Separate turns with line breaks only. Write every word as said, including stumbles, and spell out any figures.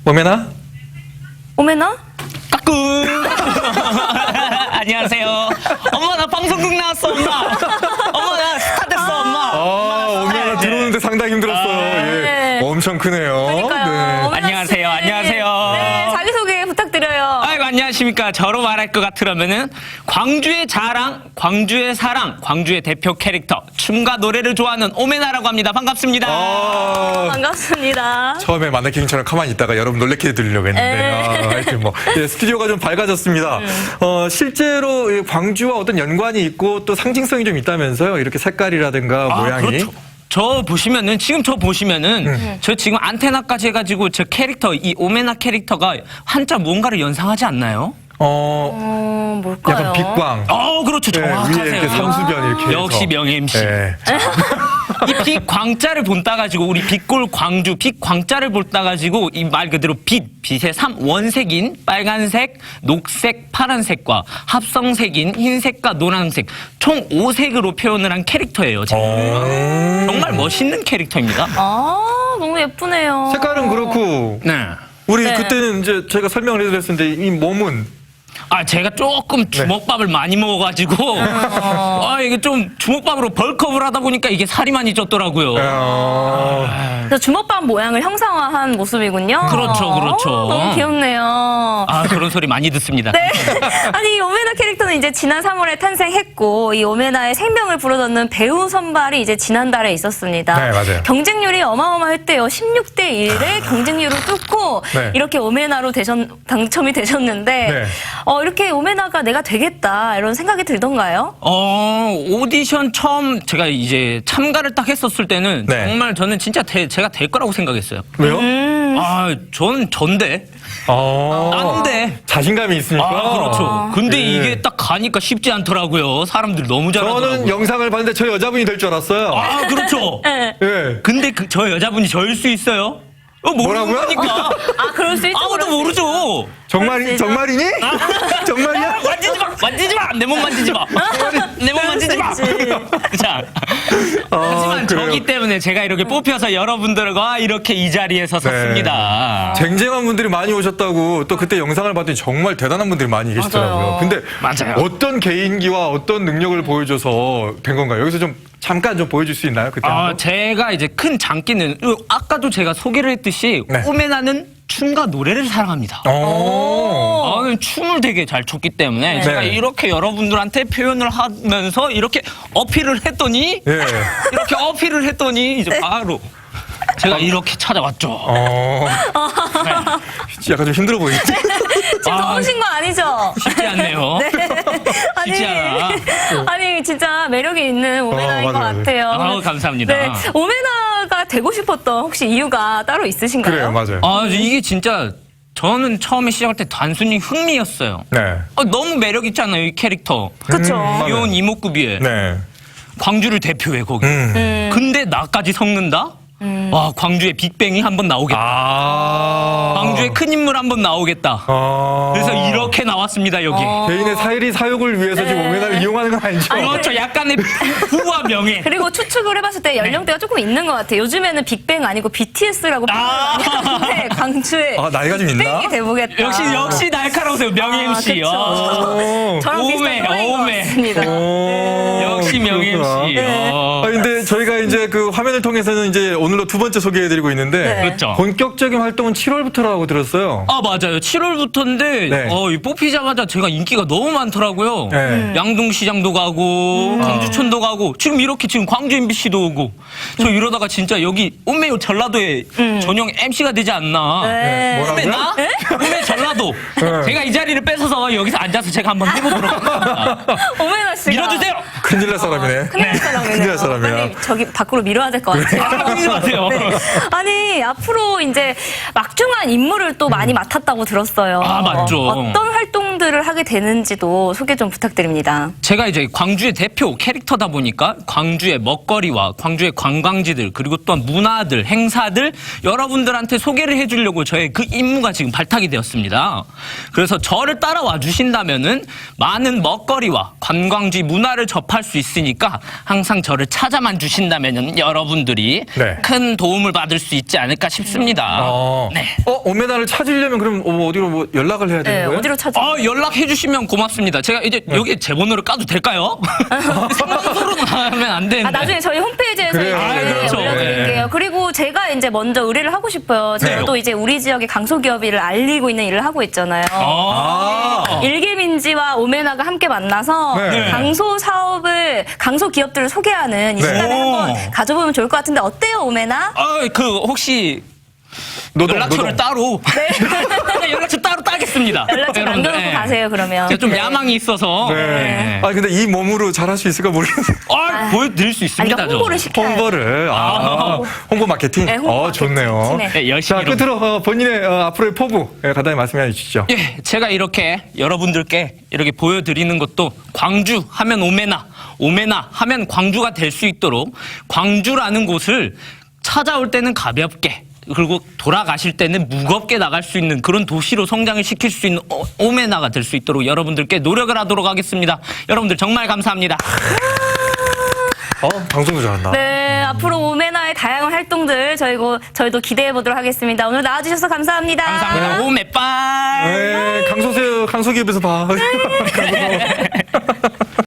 오메나?
오메나?
까꿍. 안녕하세요. 엄마 나 방송국 나왔어 엄마. 엄마 나 스타 됐어 엄마.
아, 오메나 들어오는데 상당히 힘들었어요.
아,
예.
네.
엄청 크네요.
그러니까요. 오메나
안녕하세요,
씨.
안녕하세요.
네, 자기소개 부탁드려요.
아이고 안녕하십니까. 저로 말할 것 같으려면은 광주의 자랑, 광주의 사랑, 광주의 대표 캐릭터 춤과 노래를 좋아하는 오메나라고 합니다. 반갑습니다.
아,
반갑습니다.
처음에 마네킹처럼 가만히 있다가 여러분 놀래켜 드리려고 했는데
네.
아, 하여튼 뭐 예, 스튜디오가 좀 밝아졌습니다. 어, 실제로 이 광주와 어떤 연관이 있고 또 상징성이 좀 있다면서요. 이렇게 색깔이라든가
아,
모양이.
그렇죠. 저 보시면은 지금 저 보시면은
음.
저 지금 안테나까지 해가지고 저 캐릭터 이 오메나 캐릭터가 한자 뭔가를 연상하지 않나요?
어,
어, 뭘까요?
약간 빛광.
어 그렇죠.
네,
정확하세요.
위에 이렇게 삼수변 이렇게 해서.
역시 명예 엠씨.
예.
이 빛 광자를 본따 가지고 우리 빛골 광주 빛 광자를 볼따 가지고 이 말 그대로 빛 빛의 삼 원색인 빨간색, 녹색, 파란색과 합성색인 흰색과 노란색 총 오 색으로 표현을 한 캐릭터예요. 제가.
어.
정말 멋있는 캐릭터입니다.
아, 너무 예쁘네요.
색깔은 그렇고
네.
우리
네.
그때는 이제 제가 설명을 해드렸었는데 이 몸은
아 제가 조금 주먹밥을 많이 먹어가지고 아 이게 좀 주먹밥으로 벌크업을 하다 보니까 이게 살이 많이 쪘더라고요.
어,
그래서 주먹밥 모양을 형상화한 모습이군요.
그렇죠, 그렇죠.
어, 너무 귀엽네요.
아 그런 소리 많이 듣습니다.
네. 아니, 이 오메나 캐릭터는 이제 지난 삼월에 탄생했고, 이 오메나의 생명을 불어넣는 배우 선발이 이제 지난달에 있었습니다.
네, 맞아요.
경쟁률이 어마어마했대요. 십육 대 일의 경쟁률을 뚫고
네.
이렇게 오메나로 되셨, 당첨이 되셨는데,
네.
어, 이렇게 오메나가 내가 되겠다, 이런 생각이 들던가요?
어 오디션 처음 제가 이제 참가를 딱 했었을 때는
네.
정말 저는 진짜 대- 제가 될 거라고 생각했어요.
왜요?
음.
아 저는 전데
어,
난데.
자신감이 있으니까.
아 그렇죠. 근데
네.
이게 딱 가니까 쉽지 않더라고요. 사람들이 너무 잘하더라고요.
저는 영상을 봤는데 저 여자분이 될 줄 알았어요.
아 그렇죠.
네.
예.
근데 그, 저 여자분이 저일 수 있어요? 어, 모르는
뭐라고요?
거니까.
아, 그럴 수 있죠.
아무도
그럴 수
모르죠.
정말 정말이니? 정말이야?
만지지 마, 만지지 마, 내 몸 만지지 마, 내 몸 만지지 마.
수 있지.
자,
아,
하지만
그래요.
저기 때문에 제가 이렇게 뽑혀서 여러분들과 이렇게 이 자리에 서 섰습니다.
쟁쟁한 분들이 많이 오셨다고 또 그때 영상을 봤더니 정말 대단한 분들이 많이 계시더라고요.
맞아요.
근데
맞아요.
어떤 개인기와 어떤 능력을 보여줘서 된 건가요? 여기서 좀 잠깐 좀 보여줄 수 있나요? 그때
아,
한번?
제가 이제 큰 장기는 아까도 제가 소개를 했듯이
네.
오메나는 춤과 노래를 사랑합니다.
어.
저는 춤을 되게 잘 췄기 때문에
네.
제가
네.
이렇게 여러분들한테 표현을 하면서 이렇게 어필을 했더니
예.
이렇게 어필을 했더니 이제 바로 제가 이렇게 찾아왔죠.
어. 약간 좀 힘들어 보이지?
지금
아.
더우신 거 아니죠?
쉽지 않네요. 쉽지 않아.
아니, 진짜 매력이 있는 오메나인
어,
것
맞아요,
같아요.
아우, 감사합니다.
네, 오메나가 되고 싶었던 혹시 이유가 따로 있으신가요?
그래요, 맞아요.
아, 이게 진짜 저는 처음에 시작할 때 단순히 흥미였어요.
네.
아, 너무 매력 있잖아요, 이 캐릭터.
그쵸.
음,
귀여운 이목구비에
네.
광주를 대표해 거기.
음.
음.
근데 나까지 섞는다? 와, 광주의 빅뱅이 한번 나오겠다.
아.
광주의 큰 인물 한번 나오겠다.
아.
그래서 이렇게 나왔습니다, 여기.
어.
개인의 사유리 사욕을 위해서 지금 오메나를 이용하는 건 아니죠?
그렇죠. 약간의 부와 명예.
그리고 추측을 해봤을 때 연령대가 조금 있는 것 같아요. 요즘에는 빅뱅 아니고 비티에스라고
아.
많이 하는데 광주에
아, 나이가 좀 있나?
빅뱅이 돼보겠다.
역시, 역시 날카로우세요, 명예
아,
엠씨.
그쵸.
어.
저랑
오메,
비슷한 또래인 것
오메.
같습니다.
어.
역시 명예
그렇구나.
엠씨.
네.
어.
아, 근데 저희가 이제 그 화면을 통해서는 이제 오늘로 두 번째 소개해드리고 있는데
네.
그렇죠.
본격적인 활동은 칠월부터라고 들었어요.
아 맞아요. 칠월부터인데
네.
어, 이 뽑히자마자 제가 인기가 너무 많더라고요.
네. 음.
양동시장도 가고 광주촌도 가고 지금 이렇게 지금 광주 엠비씨도 오고 저 이러다가 진짜 여기 온메요 전라도에 전용 엠씨가 되지 않나.
네.
뭐라고요?
온메 나? 온메 전라도.
네.
제가 이 자리를 뺏어서 여기서 앉아서 제가 한번 해보도록 하겠습니다.
오메나 씨가
밀어주세요.
큰일 날 사람이네.
큰일 날 사람이네요.
큰일 날 사람이야.
빨리 저기 밖으로 밀어야 될 것 같아요.
하지 마세요.
네. 아니, 앞으로 이제 막중한 임무를 또 많이 맡았다고 들었어요.
아, 맞죠.
어떤 활동들을 하게 되는지도 소개 좀 부탁드립니다.
제가 이제 광주의 대표 캐릭터다 보니까 광주의 먹거리와 광주의 관광지들 그리고 또한 문화들, 행사들 여러분들한테 소개를 해주려고 저의 그 임무가 지금 발탁이 되었습니다. 그래서 저를 따라와 주신다면은 많은 먹거리와 관광지 문화를 접할 수 있으니까 항상 저를 찾아만 주신다면 여러분들이
네.
큰 도움을 받을 수 있지 않을까 싶습니다.
어,
네.
어, 오메나를 찾으려면 그럼 어, 어디로 뭐 연락을 해야 되는
네,
거예요?
어디로 찾아?
어, 연락해 주시면 고맙습니다. 제가 이제
네.
여기 제 번호를 까도 될까요? 생방송으로는 하면 안 되는데.
아, 나중에 저희 홈페이지에서
그래요.
이제
아,
그렇죠.
올려드릴게요.
네.
그리고 제가 이제 먼저 의뢰를 하고 싶어요. 제가
네.
또 이제 우리 지역의 강소기업을 알리고 있는 일을 하고 있잖아요.
아.
일개민지와 오메나가 함께 만나서
네.
강소 사업을, 강소 기업들을 소개하는 이
네.
시간을
오.
한번 가져보면 좋을 것 같은데 어때요, 오메나?
아, 그 혹시
노동,
연락처를
노동.
따로 네. 연락처 따로 따겠습니다.
연락처
여러분들.
남겨놓고
네.
가세요, 그러면.
제가 좀
네.
야망이 있어서
네.
네.
아 근데 이 몸으로 잘할 수 있을까 모르겠어요.
아, 보여드릴 수
아니,
있습니다.
그러니까 홍보를
저.
시켜야 돼요.
홍보를 아, 홍보 마케팅.
네, 홍보
어
마케팅.
좋네요.
네.
네, 열심히
자 끝으로 어, 본인의 어, 앞으로의 포부 예, 간단히 말씀해 주시죠.
예, 제가 이렇게 여러분들께 이렇게 보여드리는 것도 광주 하면 오메나, 오메나 하면 광주가 될 수 있도록 광주라는 곳을 찾아올 때는 가볍게 그리고 돌아가실 때는 무겁게 나갈 수 있는 그런 도시로 성장을 시킬 수 있는 오- 오메나가 될 수 있도록 여러분들께 노력을 하도록 하겠습니다. 여러분들 정말 감사합니다.
어 방송도 잘한다.
네, 앞으로 오메나의 다양한 활동들 저희고 저희도 기대해 보도록 하겠습니다. 오늘 나와주셔서 감사합니다.
감사합니다. 오메빨.
네, 강소세 강소기업에서 봐. 강소.